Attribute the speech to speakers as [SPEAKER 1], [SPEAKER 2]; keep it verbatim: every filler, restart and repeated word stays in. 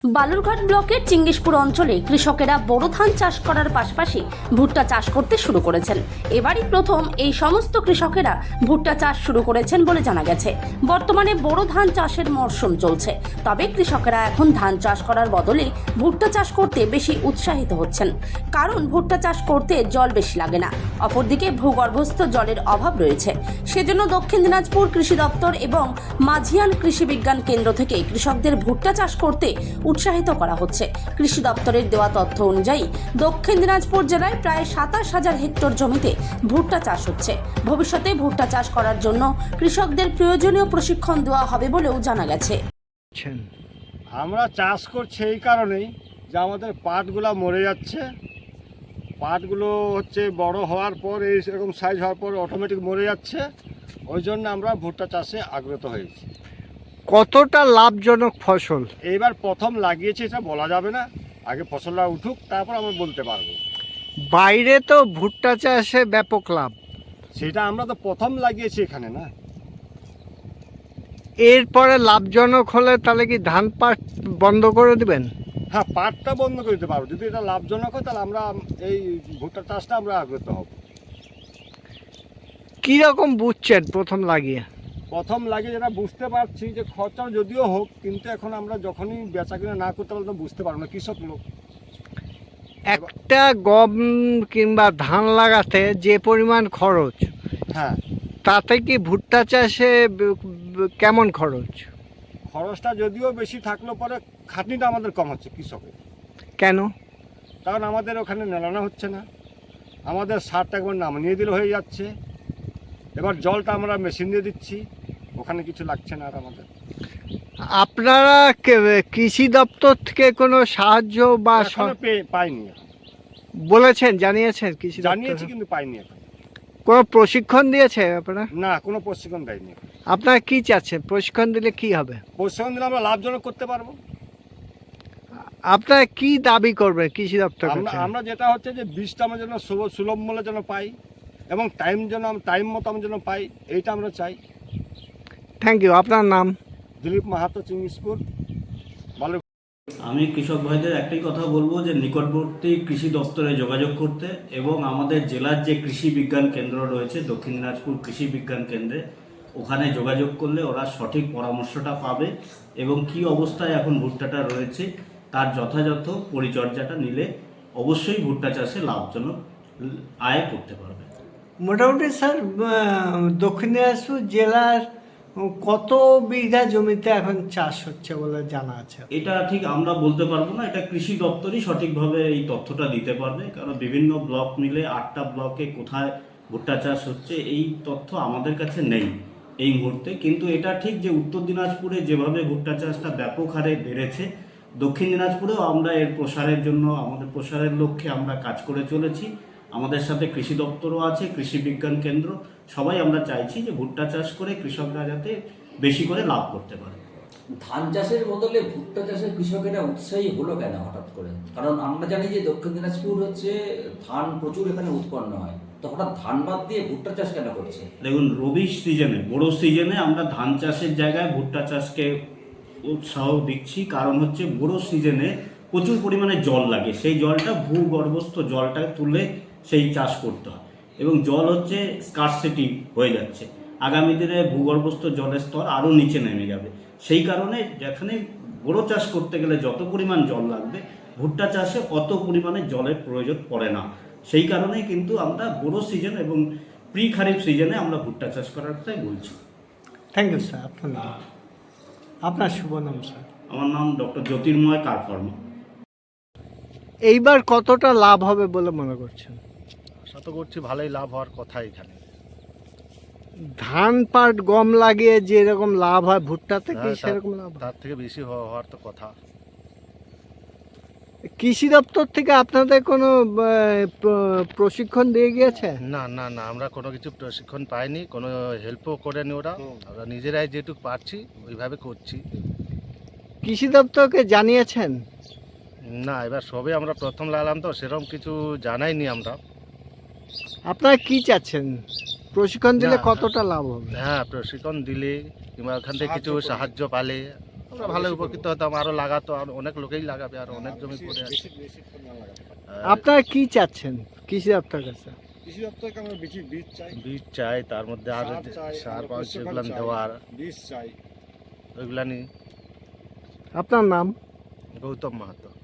[SPEAKER 1] বালুরঘাট ব্লকের চিঙ্গিসপুর অঞ্চলে কৃষকেরা বোরো ধান চাষ করার পাশাপাশি ভুট্টা চাষ করতে শুরু করেছেন। এবারই প্রথম এই সমস্ত কৃষকেরা ভুট্টা চাষ শুরু করেছেন বলে জানা গেছে। বর্তমানে বোরো ধান চাষের মরশুম চলছে, তবে কৃষকেরা এখন ধান চাষ করার বদলে ভুট্টা চাষ করতে বেশি উৎসাহিত হচ্ছেন, কারণ ভুট্টা চাষ করতে জল বেশি লাগে না। অপরদিকে ভূগর্ভস্থ জলের অভাব রয়েছে, সেজন্য দক্ষিণ দিনাজপুর কৃষি দপ্তর এবং মাঝিয়ান কৃষি বিজ্ঞান কেন্দ্র থেকে কৃষকদের ভুট্টা চাষ করতে উৎসাহিত করা হচ্ছে। কৃষি দপ্তরের দেওয়া তথ্য অনুযায়ী দক্ষিণ দিনাজপুর জেলায় প্রায় সাতাশ হাজার হেক্টর জমিতে ভুট্টা চাষ হচ্ছে। ভবিষ্যতে ভুট্টা চাষ করার জন্য কৃষকদের প্রয়োজনীয় প্রশিক্ষণ দেওয়া হবে বলেও জানা গেছে।
[SPEAKER 2] আমরা চাষ করছি এই কারণেই যে আমাদের পাটগুলো মরে যাচ্ছে। পাটগুলো হচ্ছে বড় হওয়ার পর এই এরকম সাইজ হওয়ার পর অটোমেটিক মরে যাচ্ছে, ওই জন্য আমরা ভুট্টা চাষে আগ্রহ হয়েছি।
[SPEAKER 3] কতটা লাভজনক ফসল?
[SPEAKER 2] এইবার প্রথম লাগিয়েছি, এটা বলা যাবে না, আগে ফসলটা উঠুক তারপর আমরা বলতে পারবো।
[SPEAKER 3] বাইরে তো ভুট্টা চাষে ব্যাপক লাভ,
[SPEAKER 2] সেটা আমরা তো প্রথম লাগিয়েছি এখানে না।
[SPEAKER 3] এরপরে লাভজনক হলে তাহলে কি ধান পাট বন্ধ করে দিবেন?
[SPEAKER 2] হ্যাঁ, পাটটা বন্ধ করে দিতে পারবো। যদি এটা লাভজনক হয় তাহলে আমরা এই ভুট্টা চাষটা আমরা আগ্রহ হব।
[SPEAKER 3] কীরকম বুঝছেন প্রথম লাগিয়ে?
[SPEAKER 2] প্রথম লাগিয়ে যেটা বুঝতে পারছি যে খরচা যদিও হোক, কিন্তু এখন আমরা যখনই বেচা কিনা না করতে পারলে তো বুঝতে পারবো না, কৃষক লোক।
[SPEAKER 3] একটা গম কিংবা ধান লাগাতে যে পরিমাণ খরচ,
[SPEAKER 2] হ্যাঁ,
[SPEAKER 3] তাতে কি ভুট্টা চাষে ব- ব- কেমন খরচ?
[SPEAKER 2] খরচটা যদিও বেশি থাকলেও পরে খাটনিটা আমাদের কম হচ্ছে কৃষকের।
[SPEAKER 3] কেন?
[SPEAKER 2] কারণ আমাদের ওখানে নেলানো হচ্ছে না, আমাদের সারটা একবার নামিয়ে দিলে হয়ে যাচ্ছে। এবার জলটা আমরা মেশিন দিয়ে দিচ্ছি, ওখানে কিছু লাগছে না আর আমাদের।
[SPEAKER 3] আপনারা কে- কৃষি দপ্তর থেকে কোনো সাহায্য বা স-
[SPEAKER 2] এখনো পেয়ে- পাইনি এখন।
[SPEAKER 3] বলেছেন, জানিয়েছেন কৃষি
[SPEAKER 2] জানিয়েছি
[SPEAKER 3] দপ্তর?
[SPEAKER 2] কিন্তু পাইনি এখন।
[SPEAKER 3] কোনো প্রশিক্ষণ দিয়েছে আপনারা?
[SPEAKER 2] না, কোনো প্রশিক্ষণ দেয়নি এখন।
[SPEAKER 3] আপনারা কি চাচ্ছেন? প্রশিক্ষণ দিলে কি হবে?
[SPEAKER 2] প্রশিক্ষণ দিলে আমরা লাভজনক করতে পারবো।
[SPEAKER 3] আপনারা কি দাবি করবেন কৃষি দপ্তর
[SPEAKER 2] আমরা
[SPEAKER 3] কাছে?
[SPEAKER 2] আমরা যেটা হচ্ছে যে বীজটা আমরা যেন সুব- সুলভ মূল্যে যেন পাই এবং টাইম যেন টাইম মতো আমরা যেন পাই, এইটা আমরা চাই।
[SPEAKER 3] Thank you. আপনার নাম?
[SPEAKER 2] দিলীপ মাহাতো, চিঙ্গিসপুর, ভালো।
[SPEAKER 4] আমি কৃষক ভাইদের একটাই কথা বলবো যে নিকটবর্তী কৃষি দপ্তরে যোগাযোগ করতে এবং আমাদের জেলার যে কৃষি বিজ্ঞান কেন্দ্র রয়েছে দক্ষিণ দিনাজপুর কৃষি বিজ্ঞান কেন্দ্রে, ওখানে যোগাযোগ করলে ওরা সঠিক পরামর্শটা পাবে এবং কি অবস্থায় এখন ভুট্টাটা রয়েছে তার যথাযথ পরিচর্যাটা নিলে অবশ্যই ভুট্টা চাষে লাভজনক আয় করতে পারবে।
[SPEAKER 3] মোটামুটি স্যার দক্ষিণ দিনাজপুর জেলার কত বিঘা জমিতে এখন চাষ হচ্ছে বলে জানা আছে?
[SPEAKER 4] এটা ঠিক আমরা বলতে পারবো না, এটা কৃষি দপ্তরই সঠিকভাবে এই তথ্যটা দিতে পারবে, কারণ বিভিন্ন ব্লক মিলে আটটা ব্লকে কোথায় ভুট্টা চাষ হচ্ছে এই তথ্য আমাদের কাছে নেই এই মুহূর্তে। কিন্তু এটা ঠিক যে উত্তর দিনাজপুরে যেভাবে ভুট্টা চাষটা ব্যাপক হারে বেড়েছে, দক্ষিণ দিনাজপুরেও আমরা এর প্রসারের জন্য আমাদের প্রসারের লক্ষ্যে আমরা কাজ করে চলেছি। আমাদের সাথে কৃষি দপ্তরও আছে, কৃষি বিজ্ঞান কেন্দ্র, সবাই আমরা চাইছি যে ভুট্টা চাষ করে কৃষকরা যাতে বেশি করে লাভ করতে পারে।
[SPEAKER 5] ধান চাষের বদলে ভুট্টা চাষের কৃষকেরা উৎসাহী হলো কেন হঠাৎ করে? কারণ আমরা জানি যে দক্ষিণ দিনাজপুর হচ্ছে ধান প্রচুর এখানে উৎপন্ন হয়, তো হঠাৎ ধান বাদ দিয়ে ভুট্টা চাষ কেন করছে?
[SPEAKER 4] দেখুন, রবি সিজনে বড় সিজনে আমরা ধান চাষের জায়গায় ভুট্টা চাষকে উৎসাহ দিচ্ছি, কারণ হচ্ছে বড় সিজনে প্রচুর পরিমাণে জল লাগে, সেই জলটা ভূগর্ভস্থ জলটা তুলে সেই চাষ করতে হয় এবং জল হচ্ছে স্কারসিটি হয়ে যাচ্ছে। আগামী দিনে ভূগর্ভস্থ জলের স্তর আরও নিচে নেমে যাবে, সেই কারণে যেখানে বড় চাষ করতে গেলে যত পরিমাণ জল লাগবে ভুট্টা চাষে অত পরিমাণে জলের প্রয়োজন পড়ে না। সেই কারণেই কিন্তু আমরা বড় সিজন এবং প্রি খারিফ সিজনে আমরা ভুট্টা চাষ করার কথাই বলছি।
[SPEAKER 3] Thank you sir. আপনার নাম? আপনার শুভ নাম স্যার?
[SPEAKER 4] আমার নাম ডক্টর জ্যোতির্ময় কারফর্মা।
[SPEAKER 3] এইবার কতটা লাভ হবে বলে মনে করছেন?
[SPEAKER 2] আশা তো করছি ভালোই লাভ হওয়ার কথা এখানে।
[SPEAKER 3] ধান পাট গম লাগিয়ে যেরকম লাভ হয় ভুট্টাতে কি
[SPEAKER 2] হ্যাঁ, তা-
[SPEAKER 3] সেরকম লাভ হয়?
[SPEAKER 2] তার থেকে বেশি হওয়া- হওয়ার তো কথা।
[SPEAKER 3] কৃষি দপ্তর থেকে আপনাদের কোনো আহ, প্র- প্রশিক্ষণ দিয়ে গিয়েছে?
[SPEAKER 6] না না না আমরা কোনো কিছু প্রশিক্ষণ পাইনি, কোনো হেল্পও করেনি ওরা। আমরা নিজেরাই যেটুকু পারছি ওইভাবে করছি।
[SPEAKER 3] কৃষি দপ্তরকে জানিয়েছেন?
[SPEAKER 6] না, এবার সবে আমরা প্রথম লাগালাম তো সেরকম কিছু জানাইনি আমরা।
[SPEAKER 3] আপনারা কি চাচ্ছেন? প্রশিক্ষণ দিলে
[SPEAKER 6] না।
[SPEAKER 3] কতটা লাভ হবে?
[SPEAKER 6] হ্যাঁ, প্রশিক্ষণ দিলে কিংবা ওখান থেকে কিছু সাহায্য পালে আমরা ভালো উপকৃত হতাম, আরও লাগাতো, আর অনেক লোকেই লাগাবে, আর অনেক জমি পড়ে আছে। আর
[SPEAKER 3] আপনারা কি চাচ্ছেন কৃষি দপ্তর কাছে?
[SPEAKER 2] কৃষি দপ্তরকে আমরা বীজ বীজ চাই,
[SPEAKER 6] বীজ চাই, তার মধ্যে আর
[SPEAKER 2] সার চাই,
[SPEAKER 6] সার
[SPEAKER 2] আমরা
[SPEAKER 6] পাওয়া
[SPEAKER 2] পোষ্য
[SPEAKER 6] যেগুলো
[SPEAKER 2] চাই,
[SPEAKER 6] দেওয়ার
[SPEAKER 2] বীজ চাই।
[SPEAKER 3] হ্যাঁ।
[SPEAKER 6] ওইগুলা নিয়ে।
[SPEAKER 3] আপনার নাম?
[SPEAKER 6] গৌতম মাহাতো।